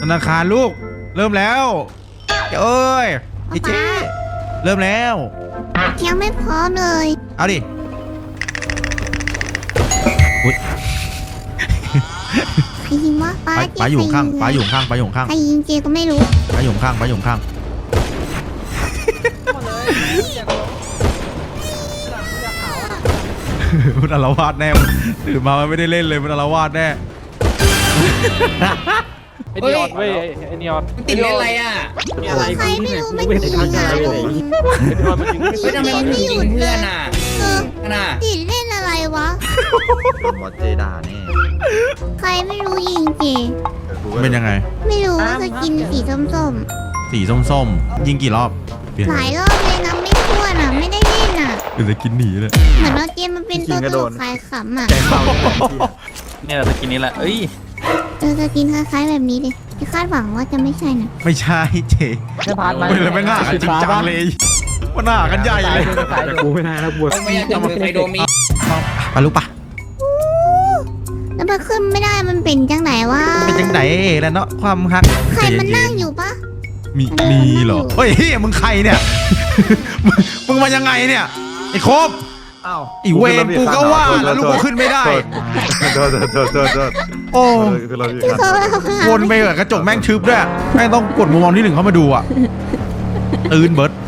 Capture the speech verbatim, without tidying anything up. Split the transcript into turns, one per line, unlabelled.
นาคารลูกเริ่มแล้วเอ้ยเจ๊เจ๊เริ่มแล้ว
ยังไม่พร้อมเลย
เอาดิอุ๊ย
ใครยิงวะป้า
ป้าอยู่ข้างป้าอยู่ข้างป้าอยู่ข้าง
ใครยิงเจก็ไม่รู้
ป้าอยู่ข้างป้าอยู่ข้างมันอารวาสแน่ตื่นมามันไม่ได้เล่นเลยมันอารวาสแน่
ไอ้นีออนเว้ยไอ้นีออน
ติดเล่นอะไรอ่ะ
ใครไม่รู้มันยิงอ่ะ
เฮ้ยทำไมมันถึงยิงเพื่อนอ่ะน่ะ
ติดเล่นอะไรวะ
หมดเจดานี่
ใครไม่รู้ยิงเจ
เป็นยังไง
ไม่รู้จะกินสีส้ม
ๆสีส้มๆยิงกี่รอบ
หลายรอบเลยนะไม่ทั่วน่ะไม่ได้เล่นอ่ะ
เดี๋ยวจะกินหนีเลย
เหมือนว่าเกมมันเป็นตัวตลกคลายขำอ่ะ
เนี่ยเราจะกินนี้แหละเอ้ย
เจอจะกินคล้ายๆแบบนี้ดิที่คาดหวังว่าจะไม่ใช่นะ
ไม่ใช่เจ
ไม่พลาดไหม
เลยไม่น่ากันจริงจังเลยมันน่ากันใหญ่เลย
กูไม่ได้แล้วบวช
ไม่อยากจะมือใครโดมี
ไปลูกปะ
แล้วมันขึ้นไม่ได้มันเป็นจังไหนวะ
เป็นจังไหนแล้วเนาะความฮัก
ใครมันนั่งอยู่ปะ
มีมีเหรอเฮ้ยเฮ้ยมึงใครเนี่ยมึงมายังไงเนี่ยไอ้ครบ
อ้าว
อีเวนกูก็ว่าแล้วลูกกูขึ้นไม่ได้
โทษโทษโทษโทษ
โอ้
ว
นไปกับกระจกแม่งทึบด้วยแม่งต้องกดมุมมองที่หนึ่งเข้ามาดูอ่ะตื่นเบิร์ด